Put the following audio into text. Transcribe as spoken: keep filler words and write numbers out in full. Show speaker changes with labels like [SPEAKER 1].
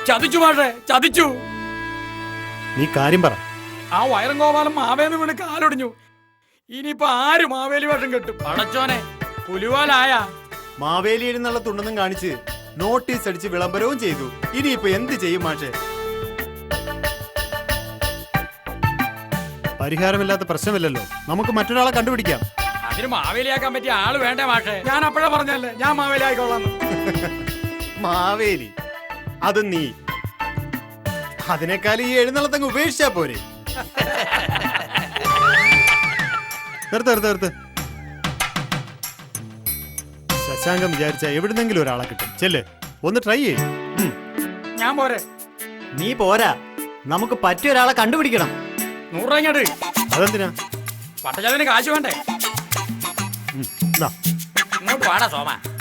[SPEAKER 1] ചതിച്ചു മാഷേ, ചതിച്ചു.
[SPEAKER 2] നീ കാര്യം പറ.
[SPEAKER 1] ആ വയറും ഗോപാലം മാവേന്ന് വീണ് കാലൊടിഞ്ഞു. ഇനിയിപ്പോ ആര് മാവേലി വേഷം കെട്ടും? പടച്ചോനെ, പുലിവാലായ.
[SPEAKER 2] മാവേലി എഴുന്നള്ളത്തുണ്ടെന്നും കാണിച്ച് നോട്ടീസ് അടിച്ച് വിളംബരവും ചെയ്തു. ഇനിയിപ്പോ എന്ത് ചെയ്യും മാഷെ? പരിഹാരമില്ലാത്ത പ്രശ്നമില്ലല്ലോ, നമുക്ക് മറ്റൊരാളെ കണ്ടുപിടിക്കാം.
[SPEAKER 1] അതിന് മാവേലിയാക്കാൻ പറ്റിയ ആള് വേണ്ടേ മാഷേ? ഞാൻ അപ്പോഴേ പറഞ്ഞല്ലേ ഞാൻ മാവേലി ആയിക്കോളാം.
[SPEAKER 2] മാവേലി അത് നീ, അതിനേക്കാൾ ഈ എഴുന്നള്ളത്തങ്ങ് ഉപേക്ഷിച്ചാ പോരെ? നിർത്ത് നിർത്ത് നിർത്ത്. ശശാങ്കം വിചാരിച്ച എവിടുന്നെങ്കിലും ഒരാളെ കിട്ടും. ചെല്ല്, ഒന്ന് ട്രൈ ചെയ്യും.
[SPEAKER 1] ഞാൻ പോരെ.
[SPEAKER 3] നീ പോരാ, നമുക്ക് പറ്റിയ ഒരാളെ കണ്ടുപിടിക്കണം.
[SPEAKER 1] നൂറ് രൂപ ഇങ്ങോട്ട്.
[SPEAKER 2] അതെന്തിനാ?
[SPEAKER 1] പട്ടചാതിന് കാശ് വേണ്ടേ?
[SPEAKER 2] ഉം, ദാ.
[SPEAKER 1] ഇങ്ങോട്ട് വാടാ സോമ.